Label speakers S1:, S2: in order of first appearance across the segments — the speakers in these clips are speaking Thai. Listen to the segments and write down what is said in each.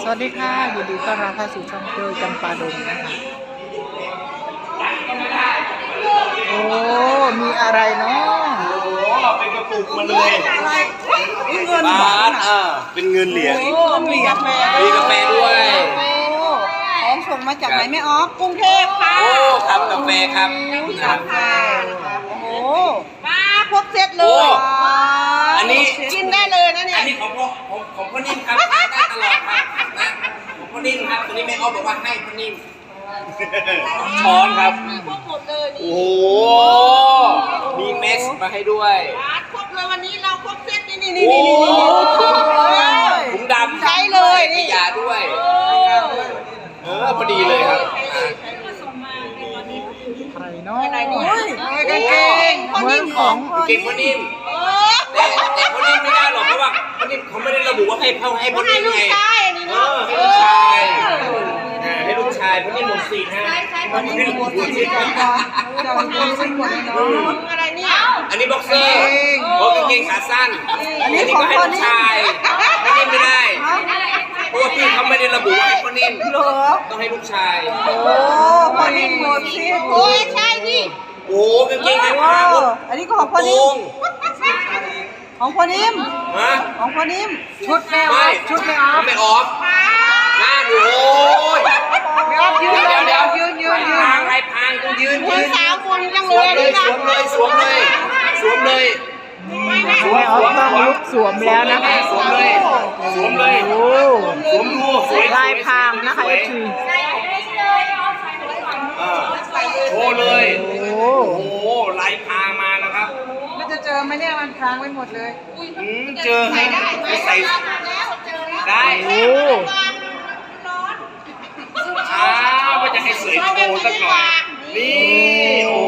S1: สวัสดีค่ะยินดีต้อนรับเข้าสู่ช่องเจอจำปาดงนะคะโอ้มีอะไรเนาะ
S2: โอ้เป็นกระปุกมาเลย
S1: เงิน
S2: บาทเป็นเงินเหรียญ
S1: เหรียญ
S2: มีกาแฟด้วย
S1: ของส่งมาจากไหนแม่ออฟกรุงเทพค่ะ
S2: โอ้ครับกาแฟครับ
S1: กาแฟโอ้โหมาครบเซตเล
S2: โอ้
S1: ย
S2: อันนี้
S1: กินได้เลยนะเนี่ย
S2: อันนี้ของพ่อนิ่มครับได้ตลอดครับนะของพ่อนิ่มครับตัวนี้แม่อ้อบอกว่าให้พ่อนิ่มช้อนครับ
S1: มีครบหมดเลยนี่
S2: โอ้โหมีเม็กซ์มาให้ด้วย
S1: ครบเลยวันนี้เราครบเซตนี่
S2: โอ้
S1: นี่
S2: ถุงดำ
S1: ใช้เลยนี่
S2: ขยะด้วยพอดีเลยครับ
S1: ใครเนาะอะไรนี่กางเกงเหมือนของ
S2: เก่งพ่อนิ่มแต่พ่อนิ่มไม่ได้หรอกเพราะว่าพ่อนิ่มเขาไม่ได้ระบุว่าให้พ่อนิ่มไงให้ลูกชายให้ลูกชายพ่อนิ่มหมดสิทธิ์ฮะพ่อนิ่มหมดสิทธิ์
S1: อะไรเนี่ย
S2: อันนี้บ็อกเซอร์โอ้กางเกงขาสั้นอันนี้ก็ให้ลูกชายพ่อนิ่มไม่ได้เพราะว่าพี่เขาไม่ได้ระบุว่าให้พ่อนิ่มต้องให้ลูกชาย
S1: โอ้พอนิ่มหมดสิโอ้ยใช่พี่
S2: โอ้กางเกงขา
S1: ว้า
S2: สั้น
S1: อันนี้ก็ของพ่อนิ่มของพ่อนิ่ม
S2: ฮะ
S1: ของพ่อนิ่มชุดแม่ออ
S2: ไม่
S1: ฟชุดแม่ออฟ
S2: ไม่ออฟหน้าดูโอ้ย
S1: แม่ออฟยืน
S2: เดี๋ยว
S1: ยืน
S2: พางไรพางต้องยืน
S1: มือสาวคนจัง
S2: ส
S1: เล
S2: วย มเลยสวมเลยสวมเลยสวมเลย
S1: แม่ออฟต้องลุกสวมแล้วนะคะ
S2: สวมเลยสวมเลย
S1: โอ้
S2: สวมดูสวย
S1: ลายพรางนะคะ FC
S2: โชว์เลย
S1: โอ้
S2: โอ้โหลายพรางมานะครับ
S1: มันจะเจอไหมเนี่ยมันพรางไว้หมดเลย
S2: เจอฮะใส่ได้
S1: โอ้
S2: ว่าจะให้สวยโชว์สักหน่อยนี่โอ้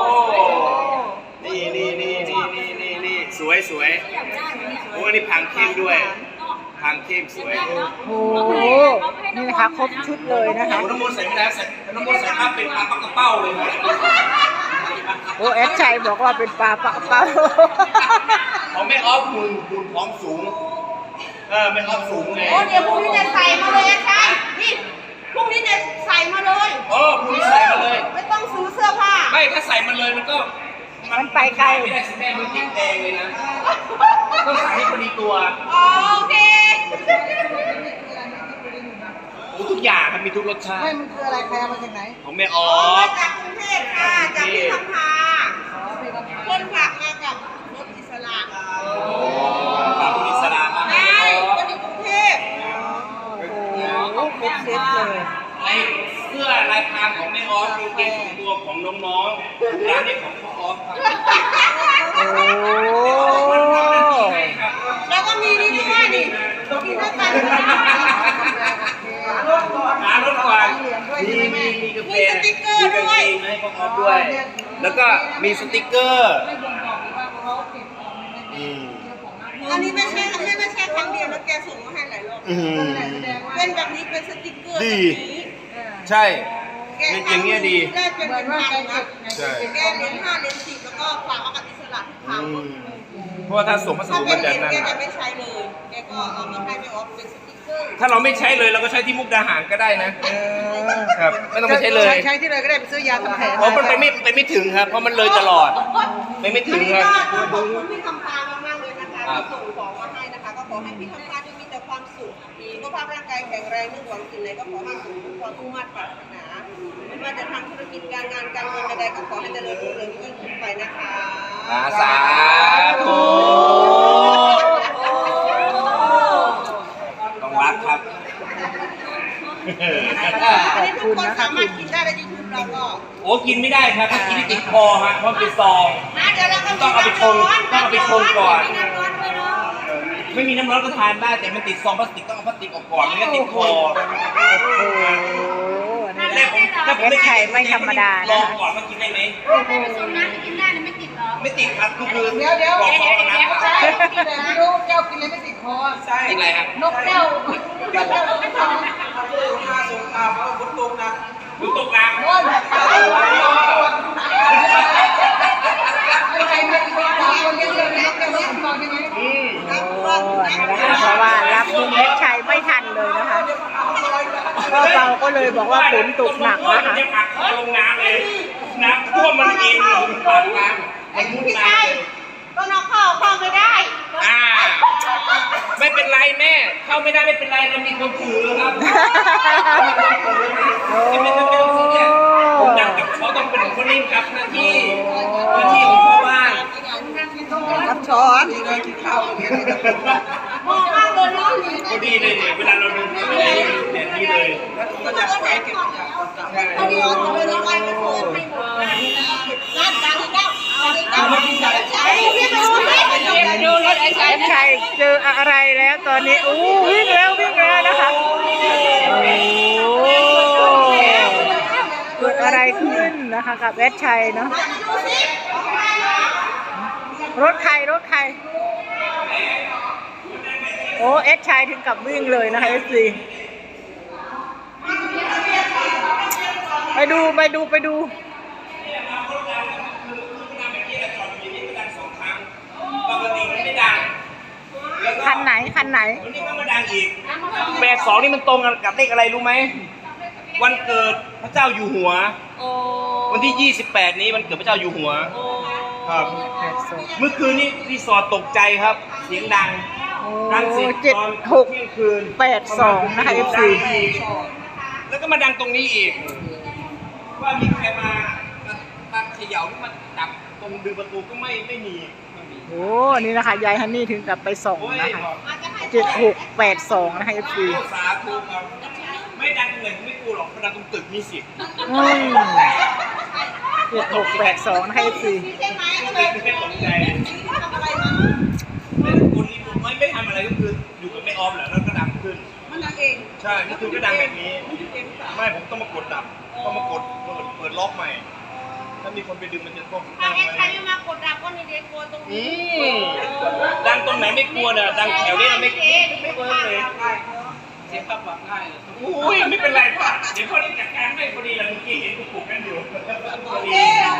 S2: นี่สวยโอ้อันนี้พังเข้มด้วยพังเข้มสวย
S1: โหนี่นะคะครบชุดเลยนะคะ
S2: น้ำมันใส่ไม่ได้ใส่น้ำมันใส่ภาพเป็นปลาปักกระเป้าเลยนะ
S1: โอ้แอดชัยบอกว่าเป็นปลาปะเป้า
S2: เขาไม่ออฟหุ่นพร้อมสูงไม่ออฟสูงไง
S3: โอ้เดี๋ยวพรุ่งนี้จะใส่มาเลยใช่นี่พรุ่งนี้จะใส่มาเลย
S2: พรุ่งนี้ใส่มาเลย
S3: ไม่ต้องซื้อเสื้อผ้า
S2: ไม่ถ้าใส่มันเลยมันก็
S1: มันไปไกล
S2: ไม่ได้สิแม่มือติ๊กแดงเลยนะต้องใส่ให้พอดีตัว
S3: โอเค
S2: โอ้ทุกอย่างครับมีทุกรสชาติ
S1: ไม่มันคืออะไรใครเอามาจากไหน
S2: ของแม่ออ
S3: มา
S2: ฟ
S3: จากกรุงเทพค่ะจากพี่คำพาคนผักมากับรถอิสระ
S2: ฝากคุณอิสระมาให้
S3: ใช่
S2: แม่ออฟ
S3: คนอยู่กรุงเทพ
S1: โอ้ครบเซตเลย
S2: ไอ้เสื้อลายพรางของแม่ออฟกางเกงของตัวของน้องๆร้านนี้ของพ่อออฟครับ
S1: โอ้
S3: แล้วก็มีนี่ด้วยนี่กินด้วยกัน
S2: หารถก่อนมีกาแฟมีกางเกงให้พ่อออฟด้วย แล้วก็มีสติ๊กเกอร์
S3: อันนี้ไม่ใช่ครั้งเดียวแล้วแกส่งมาให้หลายรอบเป็นแบบนี้เป็นสติ๊กเกอร์
S2: ดี ใช่อย่างเงี้ยดี
S3: ได้เป็นพันนะ
S2: ใช่
S3: แกเหรียญ5เหรียญ10แล้วก็ฝากเอากับอิสระทุกครั้ง
S2: เพราะว่าถ้าส่งพัส
S3: ถ้า
S2: ดุ
S3: เป็
S2: มัน น
S3: เหรี
S2: จะ
S3: ยญ
S2: นั่น
S3: แกจะไม่ใช้เลย แกก็เอามาให้ไม่ออฟเป็นสติ๊กเกอร์
S2: ถ้าเราไม่ใช้เลยเราก็ใช้ที่มุกดาหารก็ได้นะ ครับไม่ต้องไปใช้เลย
S1: ใช้ที่เลยก็ได้ไปซื้อยาทำแผล
S2: เพราะมันไปไม่ถึงครับ เพราะมันเลยตลอดไม่ถึงครับ
S3: ก็ขอบคุณพี่คำพามากๆเลยนะคะที่ส่งของมาให้นะคะ ก็ขอให้พี่คำพามีแต่ความสุขสุขภาพร่างกายแข็งแรงนึกหวังสิ่งใดก็ขอให้สมความมุ่งมั่นปรารถนาไม่ว่าจะทำธุรกิจการงานการเงินใดๆก็ขอให้เจริญรุ่งเรืองยิ่งขึ้นไปนะคะ
S2: สาธุต้องรักครับ
S3: อันนี้ทุกคนสามารถกินได้ในยูทูบเราก็
S2: โอ้กินไม่ได้ครับกินที่ติดคอฮะเพราะเป็นซอง
S3: เดี๋ยวเราก็
S2: ต้องเอาไปชงก่อน
S3: มีน้ำร้อนด้วยเนาะ
S2: ไม่มีน้ำร้อนก็ทานได้แต่มันติดซองพลาสติกต้องเอาพลาสติกออกก่อนไม่งั้นติดคอ
S1: โอ้นี่แหละ
S2: ถ้าผมไม่กิน
S1: ไม่ธรรมดา
S2: ล
S1: นะ
S2: อง
S1: คะ
S2: ก่อนมากินได้ไหม
S3: ไม่ผสมน้ำกินได้ไม่ติดหรอ
S2: ไม่ติดครับก็คือ
S1: เดี๋ยว
S2: บอกเขาเอาน้ำ
S1: ใช่แต่ไม่รู้แก้วกินเลยไม่ติดคอ
S2: ติดอะไรครับ
S1: นกแก้ว
S2: ดูตรงกลาง
S1: โอ้ยแบบใครไม่ติดคอคนเดียวเลยนกแก้วไม่ติดคอใช่ไหม
S2: อืม
S1: โอ้นะคะเพราะว่ารับลุงเล็กชัยไม่ทันเลยนะคะพ่อเปาก็เลยบอกว่าฝนตกหนักนะคะ
S2: จะอัดคอลงน้ำเลยน้ำท่วมมันเองลงปากน้ำมันมุดน้ำเลย
S3: ก็น้องเข้าไม่ได้
S2: ไม่เป็นไรแม่เข้าไม่ได้ไม่เป็นไรเรามีคนถือครับไม่ต้องซีเรียสผมดังกับเขาต้องเป็นคนนิ่งครับหน้าที่ของพ่อบ้าน
S3: รับช้อนนี่เลยกินข้าวมองมากเลยน้อง
S2: พอดีเลยเนี่ยเวลาเราดูไม่ได้เนี่ยนี่เลย
S3: ก็จะใช้เก็บพอดีเราทำเลยน้องไอ้ก็เปิดให้หมดร้านดังอีกแล้วดูรถไอ้ชาย
S1: ใครเจออะไรแล้วตอนนี้อู้วิ่งแล้วนะคะโอ้เกิดอะไรขึ้นนะคะกับแอดชัยเนาะรถใครโอ้แอดชัยถึงกับวิ่งเลยนะคะFCไปดู
S2: ปกติมันไม่ดัง
S1: คันไหน
S2: วันนี้ก็มาดังอีก82นี่มันตรงกันกับเลขอะไรรู้ไหมวันเกิดพระเจ้าอยู่หัววันที่28นี้วันเกิดพระเจ้าอยู่หัวครับเมื่อคืนนี้รีสอร์ทตกใจครับเสียงดังเสร็จตอนเที่ยงคืน
S1: 7682นะคะ FC
S2: แล้วก็มาดังตรงนี้อีกว่ามีใครมาเขย่าหรือมาจับตรงดึงประตูก็ไม่มี
S1: โอ้นี่นะคะยายฮันนี่ถึงกับไปส่งนะคะ7682นะคะ FC
S2: สาธุครับไม่ดังตรงไหนผมไม่กลัวหรอกมันดังตรงตึกมีสิทธิ์
S1: 7682นะคะ FC
S3: ใช่ไหม
S2: ไม่ตกใจคนนี้ผมไม่ทำอะไรก็คืออยู่กับแม่ออมแหละแล้วก็ดังขึ้น
S3: มันดังเอง
S2: ใช่นี่คือก็ดังแบบนี้ไม่ผมต้องมากดดับต้องมากดเปิดล็อกใหม่ถ้ามีคนไปดึงมันจะพวก
S3: ถ้าแอดใครไม่มากดดับก็นี่เด็กกลัวตรงนี้
S2: ดังตรงไหนไม่กลัวนะดังแถวนี้ไม่เวิร์กเลยเสียงขับแบบง่ายเลยอุ้ยไม่เป็นไรป่ะเดี๋ยวพอดีจัดการไม่พอดีเราเมื่อกี้เห็นกูปลุกกันอยู่พอดี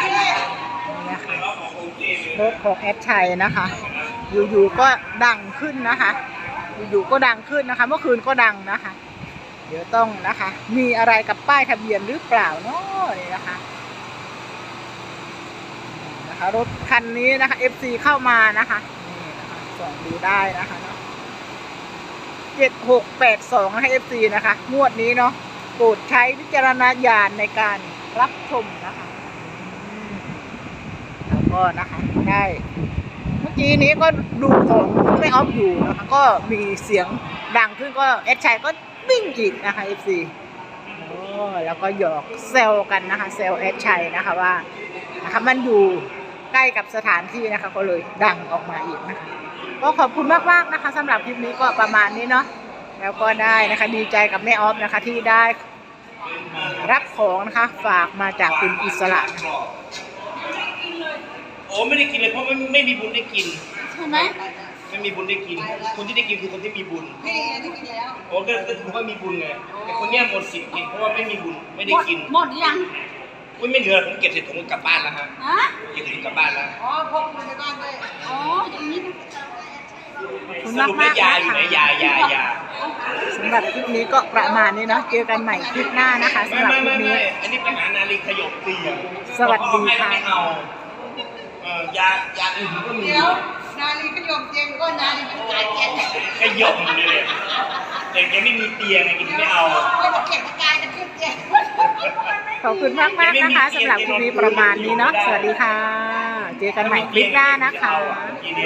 S1: รถของแอดชัยนะคะอยู่ๆก็ดังขึ้นนะคะอยู่ๆก็ดังขึ้นนะคะเมื่อคืนก็ดังนะคะเดี๋ยวต้องนะคะมีอะไรกับป้ายทะเบียนหรือเปล่าเนาะนี่นะคะรถคันนี้นะคะ FC เข้ามานะคะนี่นะคะส่องดูได้นะคะเนาะ7682นะคะ FC นะคะงวดนี้เนาะโปรดใช้วิจารณญาณในการรับชมนะคะแล้วก็นะคะได้เมื่อกี้นี้ก็ดูของไม่ออฟอยู่นะคะก็มีเสียงดังขึ้นก็แอดชัยก็วิ่งอีกนะคะ FC แล้วก็หยอกเซลกันนะคะเซลแอดชัยนะคะว่านะคะมันอยู่ใกล้กับสถานที่นะคะก็เลยดังออกมาอีกนะคะก็ขอบคุณมากๆนะคะสำหรับคลิปนี้ก็ประมาณนี้เนาะแล้วก็ได้นะคะดีใจกับแม่ออฟนะคะที่ได้รับของนะคะฝากมาจากคุณอิสระ
S2: โอ้ไม่ได้กินเลยเพราะไม่มีบุญได้กิน
S3: ใช่ไหม
S2: ไม่มีบุญได้กินคนที่ได้กินคือคนที่มีบุญ
S3: พี่ได้กินแล้ว
S2: โอ้ก็ถือว่ามีบุญไงแต่คนเนี้ยหมดสิทธิ์กินเพราะว่าไม่มีบุญไม่ได้กิน
S3: หมดยัง
S2: ไม่เหลือผมเก็บเสร็จผมกลับบ้านแล้วฮะเก็บเสร็จกลับบ้านแล้ว
S3: อ๋อพกมาในบ้านด้วยอ๋ออย่างนี้
S2: สรุปแล้วยาอยู่ไหนยา
S1: สำหรับคลิปนี้ก็ประมาณนี้เนาะเจอกันใหม่คลิปหน้านะคะสำหรับคลิปนี้
S2: อันนี้ไปหานาลีขยบตี
S1: สวัสดีค่ะ
S2: ยาอื่นก็มี
S3: เดี๋ยวนาลีขยมเตียงก็นาลีขายเตียง
S2: ขยบเลยแต่แกไม่มีเตียงไงกินไม่เอา
S3: ก็บอกเก็บกายจะขึ้นเตียง
S1: ขอบคุณมากนะคะสำหรับคลิปนี้ประมาณนี้เนาะสวัสดีค่ะเจอกันใหม่คลิปหน้านะคะ